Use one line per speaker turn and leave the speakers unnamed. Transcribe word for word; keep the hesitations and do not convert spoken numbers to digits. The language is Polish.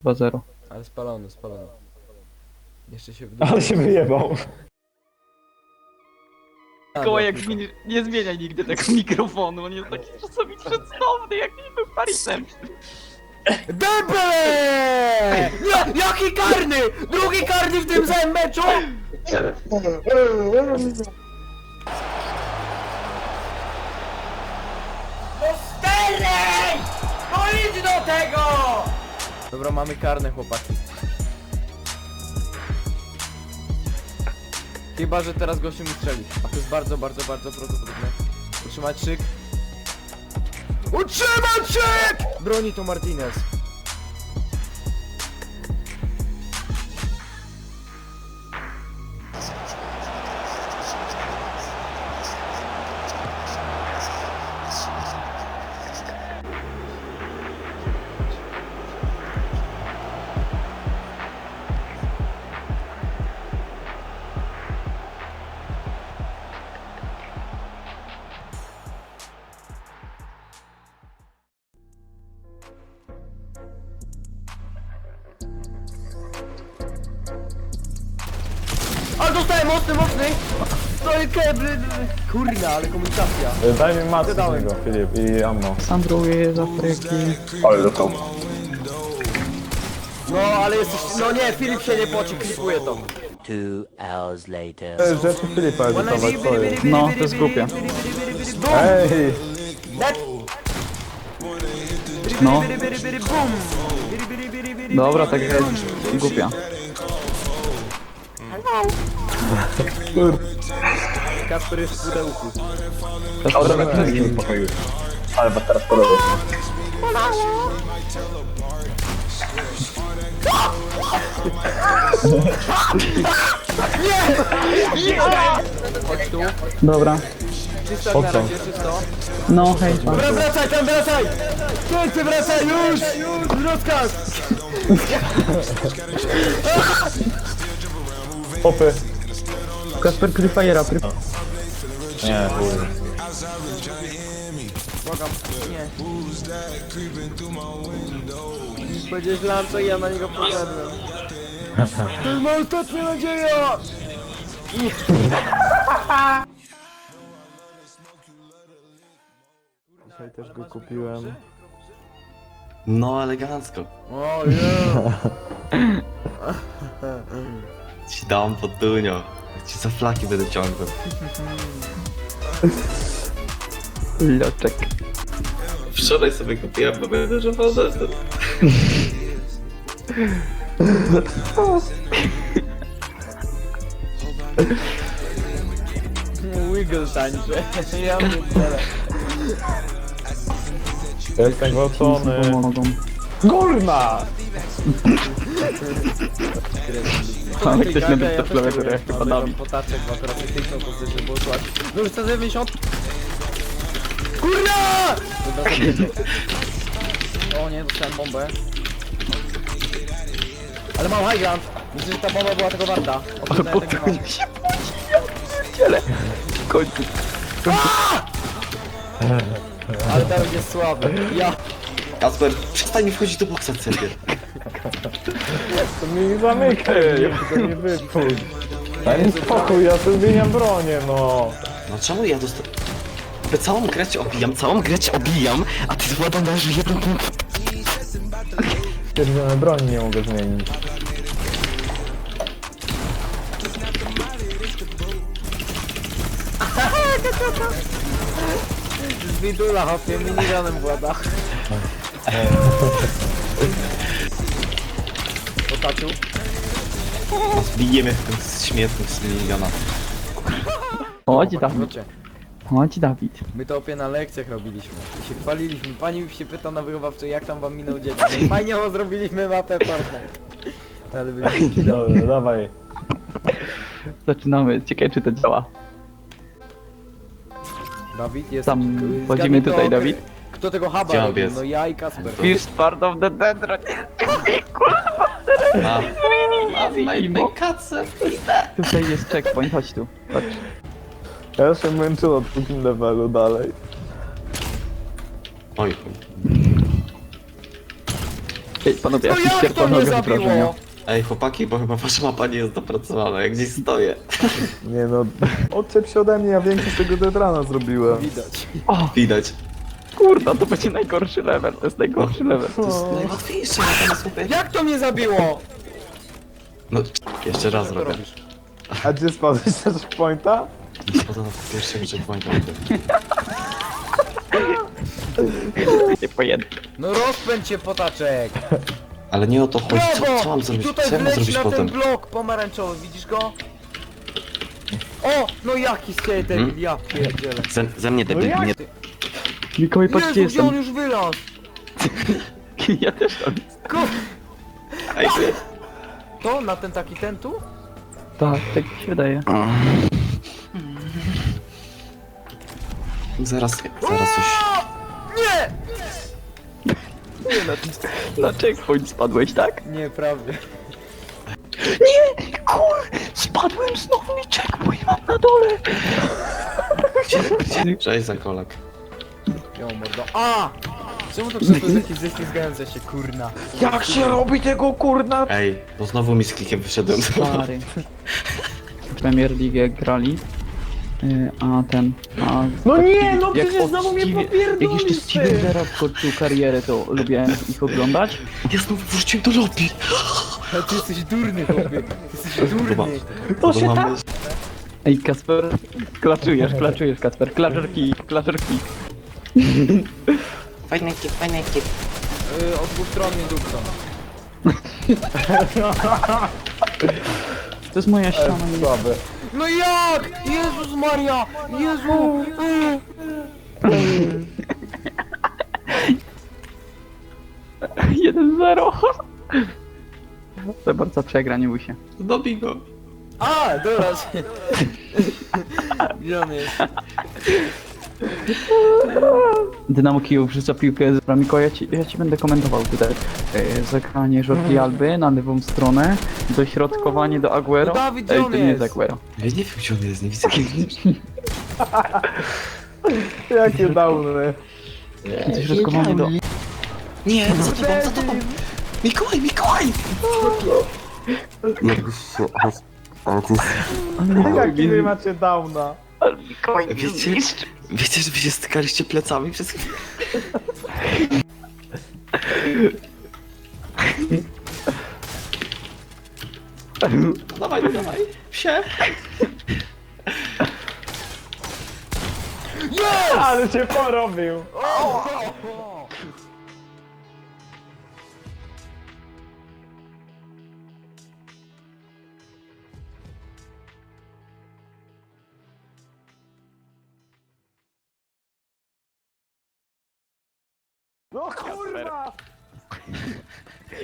dwa zero.
Ale spalony, spalony. Jeszcze się
Ale się wyjebał.
Kołajek zmieni... nie zmieniaj nigdy tego mikrofonu, on jest taki czasami przedstawny, jak nie był Parisem.
Debele! Nie, jaki karny! Drugi karny w tym samym meczu! No Sterling! No idź do tego! Dobra, mamy karne, chłopaki. Chyba, że teraz gościu mi strzeli. A to jest bardzo, bardzo, bardzo prawdopodobne. Utrzymać szyk. Utrzymać szyk! Broni to Martinez. Ale dostałem mocny, mocny! No i kebry! Kurna, ale komunikacja.
Daj mi matkę z niego, Filip, i ammo.
Sandruję z Afryki.
Ale do komu?
No, ale jesteś... No nie, Filip się nie poci, klipuje to.
Two hours later.
To jest rzeczy Filipa edytować, co jest?
No, to jest głupie.
Ej!
Net!
No.
Bum!
Dobra, tak jest głupia.
Kasper jest w pudełku.
Też
Dobra,
trochę
na wszystkim pokoju. Ale was teraz podoba.
Chodź tu.
Dobra.
Czysto
Po
na
co?
razie, czysto.
No, hej, pan.
Dobra, wracaj, tam wracaj! Pięknie, wracaj, już! Już! Rozkaz!
Popy.
Kasper Cliffajera, pry...
Nie, kurde.
Błagam, nie. Powiedziałeś Lanco i ja na niego poszedłem. To jest moja ostatnia nadzieja!
Dzisiaj też go kupiłem.
No elegancko.
O yeah.
Ci dam pod dunio. Ci za flaki będę ciągnął.
Loczek.
Wczoraj sobie kupiłem, bo będę żował zestaw.
Wiggle tańczy. Ja pierdolę.
Jestem gwałcony.
Pomogą.
Kurna!
Ale ktoś na dupce klawiaturę, jak chyba Dawid.
Potaczek ma teraz techniczną pozycję, bo szła. No już sto dziewięćdziesiąt. Kurna! Dobra, zabijcie. O nie, dostałem bombę. Ale mam high ground. Myślę, że ta bomba była tego warta.
Ale po
tak
co mi się pierdziele. W końcu.
Ale Dawid jest słaby. Ja.
Kasper, przestań mi wchodzić do boksa sobie.
To mi zamykaj, to nie wypuść. Daj mi spokój, ja tu zmieniam bronię, no.
No czemu ja dostałem... Całą grę cię obijam, całą grę cię obijam, a ty władą dajesz jeden punkt.
Stwierdzone broni nie mogę zmienić.
Z widula hopie, miniganem włada. Potacił.
Zbijemy w tym śmietnik z miliona.
Chodź Dawid.
Wiecie,
Chodź Dawid.
my to opie na lekcjach robiliśmy. I się chwaliliśmy. Pani się pyta na wychowawczej, jak tam wam minął dzień. No i fajnie, bo zrobiliśmy mapę Fortnite. Ale byliśmy
Dobra, dawaj.
Zaczynamy. Ciekawe czy to działa.
Dawid jest...
Tam
zgadnij
wchodzimy
to,
tutaj, Dawid.
Kto tego huba
Gdzie on
robił?
jest?
No ja i Kasper.
Fish part of the dendron.
A,
Imo.
kacę.
Tutaj jest checkpoint, chodź tu. Chodź.
Ja się męczę na drugim levelu dalej.
Oj,
Ej, panowie,
No
ja
jak to mnie
panowie wrażenia.
zabiło?
Ej, chłopaki, bo chyba wasza mapa nie jest dopracowana, jak gdzieś stoję.
Nie no, odczep się ode mnie, ja większość tego deadrana zrobiłem.
Widać.
Widać.
Kurwa, to będzie najgorszy level, to jest najgorszy level.
To jest najłatwiejsze, ja tam jest mówię.
Jak to mnie zabiło?
No, jeszcze raz
Co to
robię.
robisz?
A gdzie spadłeś na checkpointa?
Nie spadłem na pierwszego checkpointa.
Nie pojęty.
No rozpędź się, potaczek.
Ale nie o to chodzi, co, co
Brawo!
mam
I
zrobić?
tutaj
Co ja mam
wleć
zrobić
na
potem?
ten blok pomarańczowy, widzisz go? O, no jaki skater,
Hmm?
ja pierdzielę.
Ze, ze mnie debil, nie...
Mikołaj, patrz gdzie
Jezu, gdzie on
jestem.
już wylazł?
Ja też tam.
Ko
Ej, ty.
to, na ten taki ten tu?
Tak, tak mi się wydaje.
Zaraz, zaraz coś...
Nie!
Nie, na, na checkpoint spadłeś, tak?
Nie, prawie.
Nie! Kur! Spadłem znowu i checkpoint mam na dole!
Cześć za kolak.
Ja mordo. A! Czemu to krzesło jest jakieś ześlizgające się, kurna?
Jak się robi tego kurna?
Ej, bo znowu mi z klikiem wyszedłem.
Stary. Premier League grali. y, A ten. A
No nie, no
jak
przecież
od
znowu mnie
Steve-
popierdolisz,
Jak jeszcze
ty.
Steven Gerrard kończył karierę, to lubiłem ich oglądać.
Ja znowu wróciłem do lobby.
Ale ty jesteś durny, chłopie. Ty jesteś
Chyba.
durny.
To się tak...
Ej, Kasper, klaczujesz, klaczujesz, Kasper. Klaczer kick, klaczer kick.
Fajny kip, fajny kip.
Yy, od dwóch stron mnie dupcą.
To jest moja ściana.
E, słabe.
No jak? Jezus Maria! Jezu!
jeden zero. Zaborca przegra, nie bój się.
Dobij go.
A, dobra. Gdzie on jest?
Dynamo Kijów wrzuca piłkę z Miko, ja ci, ja ci będę komentował tutaj. Yy, zagranie Jordi Alby na lewą stronę, dośrodkowanie do Aguero.
No Dawid, gdzie
Ej,
on
to nie jest
jest?
Aguero.
Ja nie wiem, gdzie on jest, nie widzę gdzie
Jakie downy.
Dośrodkowanie do...
Nie, za tobą, za tobą. Mikołaj, Mikołaj! Jakbyś się... Ale to jest...
Jaki wy macie downa?
Mikołaj,
Wiecie, wiecie, że wy się stykaliście plecami przez chwilę? Dawaj, no dawaj. Psie.
Ale cię porobił. No kurwa!